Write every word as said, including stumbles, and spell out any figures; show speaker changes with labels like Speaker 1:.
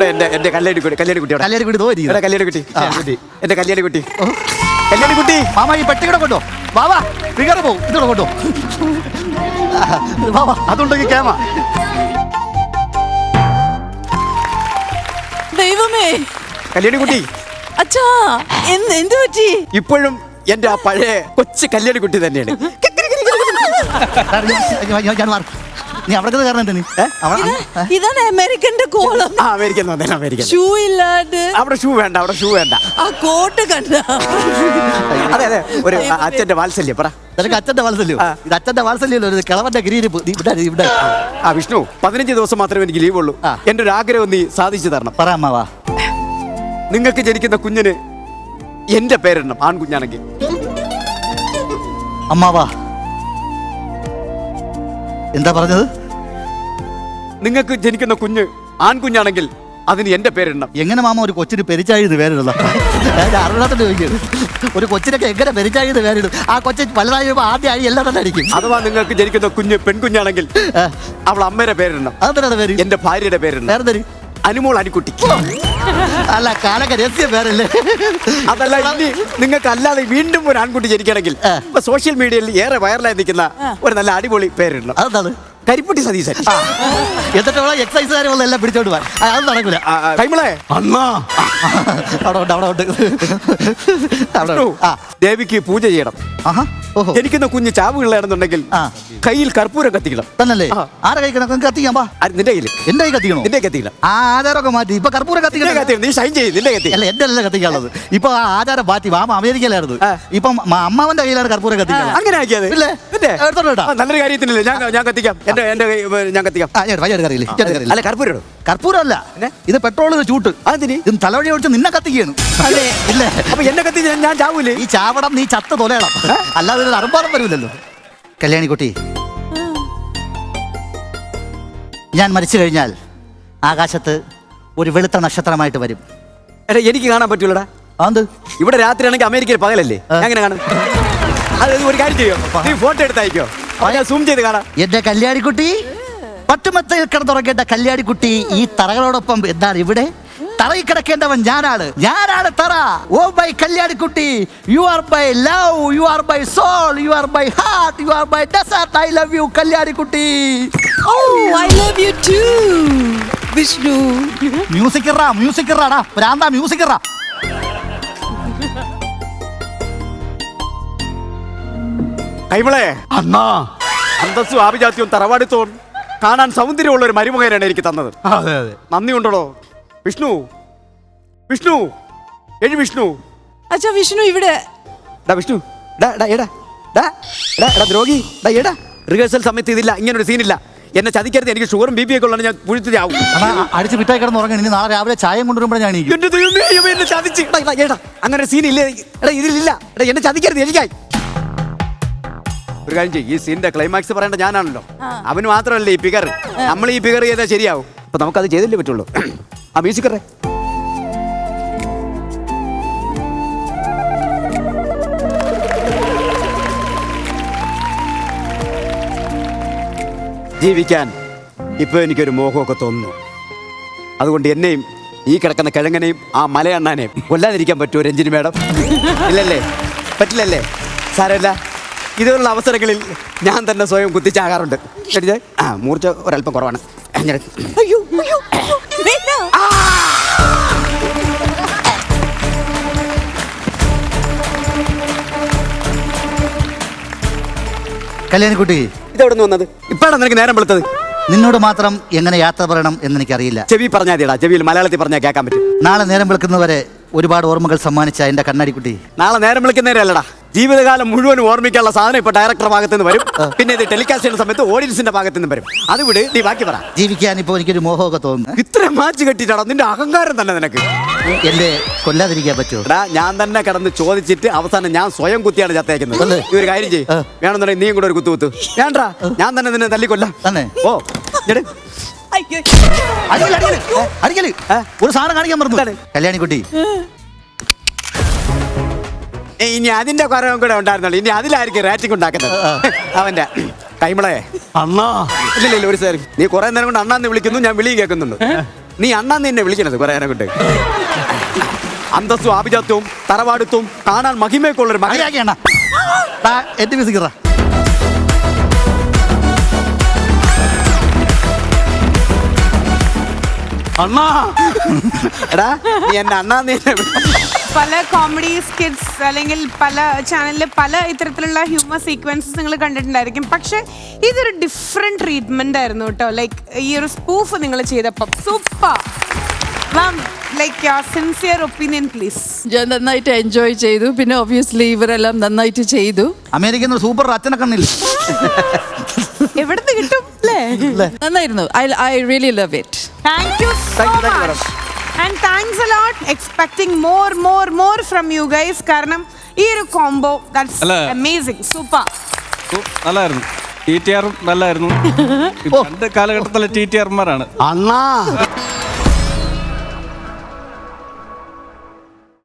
Speaker 1: എന്റെ എന്റെ കല്യാണി കുട്ടി കല്യാണി കുട്ടി
Speaker 2: കല്യാണി കുട്ടി തോന്നി
Speaker 1: കല്യാണി കുട്ടി കുട്ടി എന്റെ കല്യാണി കുട്ടി കല്യാണി കുട്ടി
Speaker 2: മാമ ഈ പെട്ടി കൂടെ കൊണ്ടോ വാവാ ഫിഗർ പോവും ഇതോടെ കൊണ്ടോ വാവാ
Speaker 1: അതുണ്ടെങ്കിൽ കേമ
Speaker 3: ദൈവമേ
Speaker 1: കല്യാണി കുട്ടി
Speaker 3: അച്ഛാ എന്ത് എന്ത് പറ്റി?
Speaker 1: ഇപ്പോഴും എന്റെ ആ പഴയ കൊച്ചു കല്യാണി കുട്ടി തന്നെയാണ്.
Speaker 2: നീ അവിടെ കാരണം എന്താ നീ
Speaker 3: ഇതാണ് അമേരിക്കന്റെ കോളം.
Speaker 1: ആ അമേരിക്കൻ വന്നേ അമേരിക്കൻ.
Speaker 3: ഷൂ ഇല്ലാണ്ട്
Speaker 1: അവിടെ ഷൂ വേണ്ട അവിടെ ഷൂ വേണ്ട.
Speaker 3: ആ കോട്ട് കണ്ട.
Speaker 1: അതെ അതെ ഒരു അച്ഛന്റെ വാത്സല്യം പറ.
Speaker 2: നിനക്ക് അച്ഛന്റെ വാത്സല്യം ഇത് അച്ഛന്റെ വാത്സല്യം ഒരു കിളവന്റെ ഗിരിയിരിപ്പ് ഇവിടെ.
Speaker 1: ആ വിഷ്ണു പതിനഞ്ച് ദിവസം മാത്രമേ എനിക്ക് ലീവ് ഉള്ളൂ. എന്റെ ഒരു ആഗ്രഹം നീ സാധിച്ചു തരണം.
Speaker 2: പറ അമ്മാവാ.
Speaker 1: നിങ്ങൾക്ക് ജനിക്കുന്ന കുഞ്ഞിന് എന്റെ പേരിടണം ആൺകുഞ്ഞാണെങ്കിൽ.
Speaker 2: അമ്മാവാ എന്താ പറഞ്ഞത്?
Speaker 1: നിങ്ങൾക്ക് ജനിക്കുന്ന കുഞ്ഞ് ആൺകുഞ്ഞാണെങ്കിൽ അതിന് എന്റെ പേരിടണം.
Speaker 2: എങ്ങനെ മാമ ഒരു കൊച്ചിന് പെരിച്ചാഴിന്ന് പേരിടുന്ന അറിവില്ലാത്തോണ്ട് ചോദിക്കും. ഒരു കൊച്ചിനൊക്കെ എങ്ങനെ പെരിച്ചാഴിന്ന് പേരിടും? ആ കൊച്ചു വലുതായി ആദ്യ ആഴി എല്ലാം തന്നെ അടിക്കും.
Speaker 1: അഥവാ നിങ്ങൾക്ക് ജനിക്കുന്ന കുഞ്ഞ് പെൺകുഞ്ഞാണെങ്കിൽ അവൾ അമ്മയുടെ പേരിടണം.
Speaker 2: അതെന്താണ് പേര്?
Speaker 1: എന്റെ ഭാര്യയുടെ പേരിടണം.
Speaker 2: വേറെ തരും
Speaker 1: അനുമോൾ അനിക്കുട്ടി.
Speaker 2: അല്ല കാലൊക്കെ രഹസ്യ പേരല്ലേ?
Speaker 1: അതല്ല ഇനി നിങ്ങൾക്ക് അല്ലാതെ വീണ്ടും ഒരു ആൺകുട്ടി ജനിക്കണമെങ്കിൽ ഇപ്പൊ സോഷ്യൽ മീഡിയയിൽ ഏറെ വൈറലായി നിൽക്കുന്ന ഒരു നല്ല അടിപൊളി പേരിടണം.
Speaker 2: അതെന്താണ്?
Speaker 1: കരിപ്പുട്ടി സതീശൻ.
Speaker 2: എന്നിട്ട് എക്സസൈസുകാരെല്ലാം എല്ലാം പിടിച്ചോണ്ട് പോവാൻ അത് നടക്കില്ല.
Speaker 1: കൈമളെ അണ്ണാ
Speaker 2: അവിടെ ഉണ്ട് അവിടെ ഉണ്ട് അവിടെ
Speaker 1: ദേവിക്ക് പൂജ ചെയ്യണം. എനിക്കുന്ന കുഞ്ഞ് ചാവുകളാണെന്നുണ്ടെങ്കിൽ കയ്യിൽ കർപ്പൂരം കത്തിക്കണം.
Speaker 2: തന്നല്ലേ? ആരെ കഴിക്കണം? കത്തിക്കാൻ പാ.
Speaker 1: നിന്റെ കയ്യിൽ
Speaker 2: എന്റെ കൈ കത്തിക്കണോ?
Speaker 1: നിന്റെ കത്തിക്കണം.
Speaker 2: ആ ആചാരമൊക്കെ മാറ്റി ഇപ്പൊ കർപ്പൂരം കത്തിക്കണം.
Speaker 1: നീ ഷൈൻ ചെയ്യും. നിന്റെ കത്തി
Speaker 2: അല്ല എന്റെ അല്ല കത്തിക്കാനുള്ളത്. ഇപ്പൊ ആ ആചാരം മാറ്റി മാമ അമേരിക്കയിലായിരുന്നു. ഇപ്പം അമ്മാവന്റെ കയ്യിലാണ് കർപ്പൂരം കത്തിക്കുന്നത്.
Speaker 1: അങ്ങനെ ആക്കിയത്
Speaker 2: ഇല്ലേ?
Speaker 1: നല്ലൊരു കാര്യത്തിനല്ലേ? ഞാൻ ഞാൻ കത്തിക്കാം. എന്റെ എന്റെ ഞാൻ കത്തിക്കാം. അല്ല കർപ്പൂരം
Speaker 2: കർപ്പൂരം അല്ല ഇത് പെട്രോൾ ചൂട്ട്.
Speaker 1: അതിന്
Speaker 2: ഇത് തലവഴി ഒഴിച്ച് നിന്നെ കത്തിക്കുകയാണ്. ഇല്ലേ?
Speaker 1: അപ്പൊ എന്നെ കത്തി ഞാൻ ചാവൂലേ?
Speaker 2: ഈ ചാവടം നീ ചത്ത് തൊലയണം. അല്ലാതെ ഒരു അറുമ്പാടം വരില്ലല്ലോ. കല്യാണിക്കുട്ടി ഞാൻ മരിച്ചു കഴിഞ്ഞാൽ ആകാശത്ത് ഒരു വെളുത്ത നക്ഷത്രമായിട്ട് വരും.
Speaker 1: എടാ എനിക്ക് കാണാൻ പറ്റൂലടാ.
Speaker 2: അത്
Speaker 1: ഇവിടെ രാത്രി ആണെങ്കിൽ അമേരിക്കയിൽ പകലല്ലേ? എങ്ങനെ കാണും? അത് ഒരു കാര്യം ചെയ്യോ, നീ ഫോട്ടോ എടുത്തയക്കോ, സൂം ചെയ്ത് കാണാം.
Speaker 2: എന്റെ കല്യാണിക്കുട്ടി പട്ടുമത്തയിൽ കിടന്നുറങ്ങേണ്ട കല്യാണിക്കുട്ടി ഈ തറകളോടൊപ്പം എന്താണ് ഇവിടെ തറയിൽ കിടക്കേണ്ടവൻ ഞാനാണ്. ഞാനാണ് തറ. ഓ മൈ കല്യാണിക്കുട്ടി, you are my love, you are my soul, you are my heart, you are my dessert. I love you കല്യാണിക്കുട്ടി.
Speaker 3: Oh I love you too Vishnu.
Speaker 2: Music ഇറാ മ്യൂസിക് ഇറാടാ പ്രാന്താ മ്യൂസിക് ഇറാ.
Speaker 1: കൈമളെ അണ്ണാ അന്തസ്സും ആഭിജാത്യവും തറവാടിത്തോൺ കാണാൻ സൗന്ദര്യമുള്ള ഒരു മരുമകനാണ് എനിക്ക് തന്നത്.
Speaker 2: അതെ അതെ
Speaker 1: നന്ദി ഉണ്ടോ വിഷ്ണു? വിഷ്ണു എഴി വിഷ്ണു.
Speaker 3: അച്ഛാ വിഷ്ണു ഇവിടെ.
Speaker 1: വിഷ്ണു ദ്രോഹി എടാ റിഹേഴ്സൽ സമയത്ത് ഇതില്ല, ഇങ്ങനൊരു സീനില്ല. എന്നെ ചതിക്കരുത്. എനിക്ക് ഷുഗറും ബി പി ഒക്കെ ഉള്ളത്. ഞാൻ പുഴുത്തിയാവും.
Speaker 2: അടിച്ച് വിട്ടായി കിടന്ന് ഉറങ്ങി. ഇനി നാളെ രാവിലെ ചായം കൊണ്ടുവരുമ്പോൾ ഞാൻ
Speaker 1: എന്നെ ചതിച്ച് എടാ അങ്ങനെ ഒരു സീനില്ല. എടാ ഇതിലില്ല. എടാ എന്നെ ചതിക്കരുത്. എനിക്കായി ഒരു കാര്യം ചെയ്യും. ഈ സീനിന്റെ ക്ലൈമാക്സ് പറയേണ്ട ഞാനാണല്ലോ. അവന് മാത്രമല്ലേ ഈ ഫിഗർ. നമ്മൾ ഈ ഫിഗർ ചെയ്താൽ ശരിയാവും. അപ്പൊ നമുക്കത് ചെയ്തല്ലേ പറ്റുള്ളൂ. ആ മ്യൂസിക്കറേ ജീവിക്കാൻ ഇപ്പൊ എനിക്കൊരു മോഹമൊക്കെ തോന്നുന്നു. അതുകൊണ്ട് എന്നെയും ഈ കിടക്കുന്ന കിഴങ്ങനെയും ആ മലയണ്ണാനെയും കൊല്ലാതിരിക്കാൻ പറ്റുമോ രഞ്ജിനി മേഡം? ഇല്ലല്ലേ? പറ്റില്ലല്ലേ? സാരമില്ല. ഇതുപോലുള്ള അവസരങ്ങളിൽ ഞാൻ തന്നെ സ്വയം കുത്തിച്ചാകാറുണ്ട്. ആ മൂർച്ച ഒരല്പം കുറവാണ്.
Speaker 2: കല്യാണിക്കുട്ടി
Speaker 1: ഇതെവിടെ നിന്ന് വന്നത്? ഇപ്പോഴാണ് നിനക്ക് നേരം വെളുത്തത്.
Speaker 2: നിന്നോട് മാത്രം എങ്ങനെ യാത്ര പറയണം എന്ന് എനിക്കറിയില്ല.
Speaker 1: ചെവി പറഞ്ഞാൽ മതിയടാ. ചെവിയിൽ മലയാളത്തിൽ പറഞ്ഞാൽ കേൾക്കാൻ പറ്റും.
Speaker 2: നാളെ നേരം വെളുക്കുന്നവരെ ഒരുപാട് ഓർമ്മകൾ സമ്മാനിച്ച എന്റെ കണ്ണാടിക്കുട്ടി,
Speaker 1: നാളെ നേരം വിളിക്കുന്നവരല്ലടാ, ജീവിതകാലം മുഴുവൻ ഓർമ്മിക്കാനുള്ള സാധനം ഇപ്പൊ ഡയറക്ടർ ഭാഗത്ത് നിന്ന് വരും. പിന്നെ ഇത് ടെലികാസ്റ്റ് ചെയ്യുന്ന സമയത്ത് ഓഡിയൻസിന്റെ ഭാഗത്ത് നിന്ന് വരും. അത് വിട്, നീ ബാക്കി പറ.
Speaker 2: ജീവിക്കാൻ ഇപ്പൊ എനിക്കൊരു മോഹമൊക്കെ തോന്നുന്നു.
Speaker 1: ഇത്ര മാച്ച് കെട്ടിട്ടാണോ നിന്റെ അഹങ്കാരം തന്നെ നിനക്ക്?
Speaker 2: എന്റെ കൊല്ലാതിരിക്കാൻ പറ്റുമോ?
Speaker 1: എടാ ഞാൻ തന്നെ കിടന്ന് ചോദിച്ചിട്ട് അവസാനം ഞാൻ സ്വയം കുത്തിയാണ് ചത്തേക്കുന്നത്. ഈ ഒരു കാര്യം ചെയ്യും, വേണമെന്നുണ്ടെങ്കിൽ നീയും കൂടെ ഒരു കുത്തു കുത്തു. വേണ്ടാ, ഞാൻ തന്നെ നിന്നെ തല്ലിക്കൊല്ലാം തന്നെ. ഓ
Speaker 2: ഒരു സാധനം കാണിക്കാൻ പറഞ്ഞു കല്യാണിക്കുട്ടി.
Speaker 1: ഇനി അതിന്റെ കുറവും കൂടെ ഉണ്ടായിരുന്നല്ലോ. ഇനി അതിലായിരിക്കും റേറ്റിംഗ് ഉണ്ടാക്കുന്നത് അവന്റെ. കൈമളെ അണ്ണാ ഇല്ല ഒരു സാർ, നീ കുറെ നേരം കൊണ്ട് അണ്ണാന്ന് വിളിക്കുന്നു, ഞാൻ വിളിയും കേൾക്കുന്നുണ്ട്. നീ അണ്ണാന്ന് എന്നെ വിളിക്കണത് പറയാനെ കൊണ്ട്. അന്തസ്സും ആഭിജാത്യവും തറവാടുത്തും കാണാൻ മഹിമയൊക്കെ ഉള്ളൊരു മകൻ.
Speaker 2: മകനാക്കിയണ്ണ എന്റെ മ്യൂസിക്
Speaker 1: അണ്ണാ എടാ നീ എന്നെ അണ്ണാന്ന് എന്നെ വിളി-
Speaker 4: പല കോമഡി സ്കിറ്റ്സ് അല്ലെങ്കിൽ പല ചാനലിൽ പല ഇത്തരത്തിലുള്ള ഹ്യൂമർ സീക്വൻസസ് നിങ്ങൾ കണ്ടിട്ടുണ്ടായിരിക്കും. പക്ഷെ ഇതൊരു ഡിഫറെന്റ് ട്രീറ്റ്മെന്റ് ആയിരുന്നു കേട്ടോ. ലൈക്ക് ഈ ഒരു സ്പൂഫ് നിങ്ങൾ ചെയ്തപ്പം super. Ma'am like your sincere opinion please.
Speaker 3: ഞാൻ നന്നായിട്ട് എൻജോയ് ചെയ്തു. പിന്നെ ഒബ്വിയസ്ലി ഇവരെല്ലാം നന്നായിട്ട് ചെയ്തു.
Speaker 2: അമേരിക്കൻ സൂപ്പർ അച്ഛനെ കണ്ണില്ല.
Speaker 4: എവിടുന്ന് കിട്ടും അല്ലേ?
Speaker 3: നന്നായിരുന്നു. I I really love it.
Speaker 4: Thank you so
Speaker 1: Thank you, thank you,
Speaker 4: much. And thanks a lot. Expecting more, more, more from you guys. കാരണം ഈ ഒരു കോംബോ that's
Speaker 5: അല്ല.
Speaker 4: amazing. Super.
Speaker 5: ഉം, നല്ലായിരുന്നു. ടി ടി ആറും നല്ലായിരുന്നു. രണ്ട് കാലഘട്ടത്തിലെ ടി ടി ആർമാരാണ്.
Speaker 1: അണ്ണാ